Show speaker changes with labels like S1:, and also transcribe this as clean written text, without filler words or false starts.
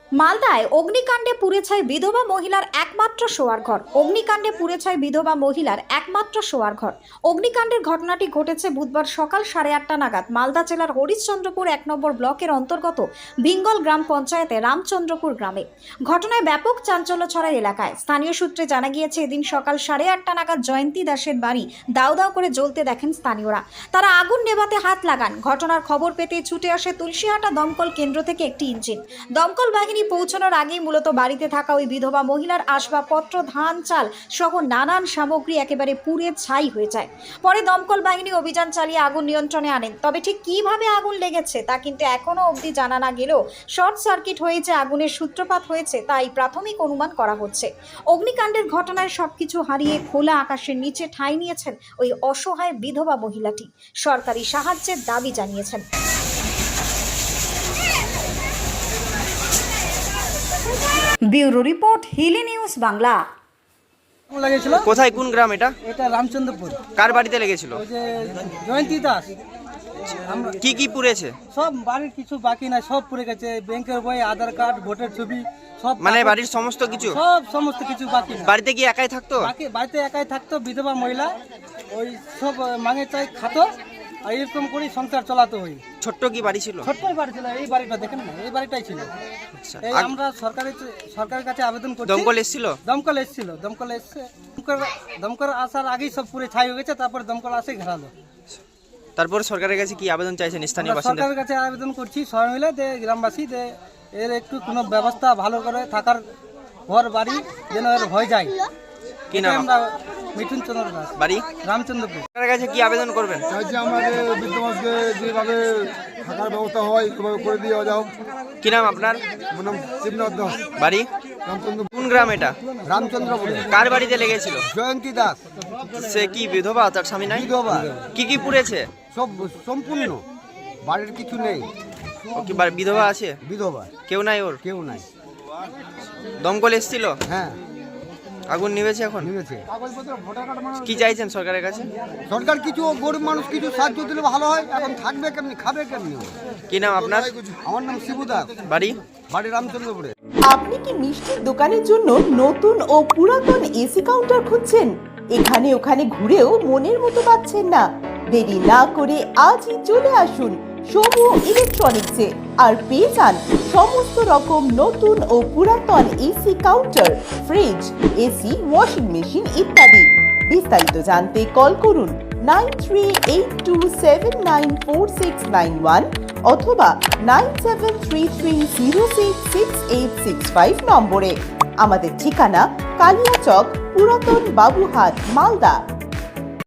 S1: মালদায় অগ্নিকাণ্ডে পুড়ে ছাই বিধবা মহিলার একমাত্র শোয়ার ঘর। অগ্নিকাণ্ডে পুড়ে ছাই বিধবা মহিলার একমাত্র শোয়ার ঘর। অগ্নিকাণ্ডের ঘটনাটি ঘটেছে বুধবার সকাল 8:30 নাগাদ মালদা জেলার হরিশ্চন্দ্রপুর 1 নম্বর ব্লকের অন্তর্গত ভিঙ্গল গ্রাম পঞ্চায়েতে রামচন্দ্রপুর গ্রামে। ঘটনায় ব্যাপক চাঞ্চল্য ছড়ায় এলাকায়। স্থানীয় সূত্রে জানা গিয়েছে, এদিন সকাল 8:30 নাগাদ জয়ন্তী দাসের বাড়ি দাউ দাউ করে জ্বলতে দেখেন স্থানীয়রা। তারা আগুন নেভাতে হাত লাগান। ঘটনার খবর পেতে ছুটে আসে তুলসীহাটা দমকল কেন্দ্র থেকে একটি ইঞ্জিন। দমকল বাহিনী পৌঁছানোর আগেই মূলত বাড়িতে থাকা ওই বিধবা মহিলার আসবাবপত্র, ধান, চাল সহ নানান সামগ্রী একেবারে পুড়ে ছাই হয়ে যায়। পরে দমকল বাহিনী অভিযান চালিয়ে আগুন নিয়ন্ত্রণে আনেন। তবে ঠিক কিভাবে আগুন লেগেছে তা কিন্তু এখনো অবধি জানা না গেলেও শর্ট সার্কিট হয়েছে, আগুনের সূত্রপাত হয়েছে তাই প্রাথমিক অনুমান করা হচ্ছে। অগ্নিকাণ্ডের ঘটনায় সবকিছু হারিয়ে খোলা আকাশের নিচে ঠাঁই নিয়েছেন ওই অসহায় বিধবা মহিলাটি। সরকারি সাহায্যের দাবি জানিয়েছেন। Bureau report, Hili news Bangla.
S2: লেগেছিল
S3: কোথায়, কোন গ্রাম এটা?
S2: এটা রামচন্দ্রপুর।
S3: কার বাড়িতে লেগেছিল?
S2: ওই যে জয়ন্তী দাস।
S3: কি কি পুড়েছে?
S2: সব বাড়ির কিছু বাকি নাই, সব পুড়ে গেছে। ব্যাংকের বই, আধার কার্ড, ভোটের ছবি সব,
S3: মানে বাড়ির সমস্ত কিছু?
S2: সমস্ত কিছু বাকি নাই।
S3: বাড়িতে কি একাই থাকতো?
S2: বাড়িতে একাই থাকতো বিধবা মহিলা। ওই সব মাঙে চাই খাতো আর এরকম করে সংসার চালাতো। ওই
S3: ছোট্ট কি বাড়ি ছিল?
S2: ছোট্টই বাড়ি ছিল। এই বাড়িটা দেখেন না, এই বাড়িটাই ছিল।
S3: আচ্ছা,
S2: এই আমরা সরকারের কাছে আবেদন করছি।
S3: দমকল এসেছিল?
S2: দমকল এসেছিল, দমকল এসছে। দমকল আসার আগেই সব পুরে ছাই হয়ে গেছে। তারপরে দমকল আসে ঘেরালো।
S3: তারপর সরকারের কাছে কি আবেদন চাইছেন স্থানীয় বাসিন্দা?
S2: সরকারের কাছে আবেদন করছি সবাই মিলে, যে গ্রামবাসী যে এর একটু কোনো ব্যবস্থা ভালো করে থাকার ঘর বাড়ি যেন এর হয়ে যায়।
S3: কি নাম?
S2: আমরা মিঠুন চন্দ্র দাস,
S3: বাড়ি
S2: রামচন্দ্রপুর।
S3: সরকারের কাছে কি আবেদন করবেন?
S4: চাইছি আমাদের বৃদ্ধ মানুষকে যেভাবে থাকার ব্যবস্থা হয় সেভাবে করে দিয়ে যাও।
S3: কি নাম আপনার?
S4: আমার নাম শিবনাথ দাস,
S3: বাড়ি
S4: রামচন্দ্রপুর।
S3: কোন গ্রাম এটা?
S4: রামচন্দ্রপুরে।
S3: কার বাড়িতে লেগেছিল?
S4: জয়ন্তী দাস,
S3: সে কি বিধবা? তার স্বামী নাই?
S4: বিধবা।
S3: কি কি পুড়েছে?
S4: সব সম্পূর্ণ, বাড়ির কিছু নেই।
S3: ও কি বিধবা আছে?
S4: বিধবা
S3: কেউ নাই ওর?
S4: কেউ নাই।
S3: দমকল এসেছিল?
S4: হ্যাঁ,
S3: আগুন নিভেছে এখন?
S4: নেমেছে।
S3: কি চাইছেন সরকারের কাছে?
S4: সরকার কিছু, গরিব মানুষ কিছু সাহায্য দিলে ভালো হয়। এখন থাকবে কেমনি, খাবে কেমনি?
S3: কি নাম আপনার?
S4: আমার নাম শিবু দাস,
S3: বাড়ি?
S4: বাড়ি রামচন্দ্রপুরে।
S5: আপনি কি মিষ্টির দোকানের জন্য নতুন ও পুরাতন এসি কাউন্টার খুঁজছেন? এখানে ওখানে ঘুরেও মনের মতো পাচ্ছেন না? দেরি না করে আজই চলে আসুন সমু ইলেকট্রনিক্সে আর পেয়ে যান সমস্ত রকম নতুন ও পুরাতন AC counter, fridge, AC, washing machine ইত্যাদি। বিস্তারিত জানতে কল করুন 9382794691 অথবা 9733066865 নম্বরে। আমাদের ঠিকানা কালিয়াচক, পুরাতন বাবুহাট, মালদা।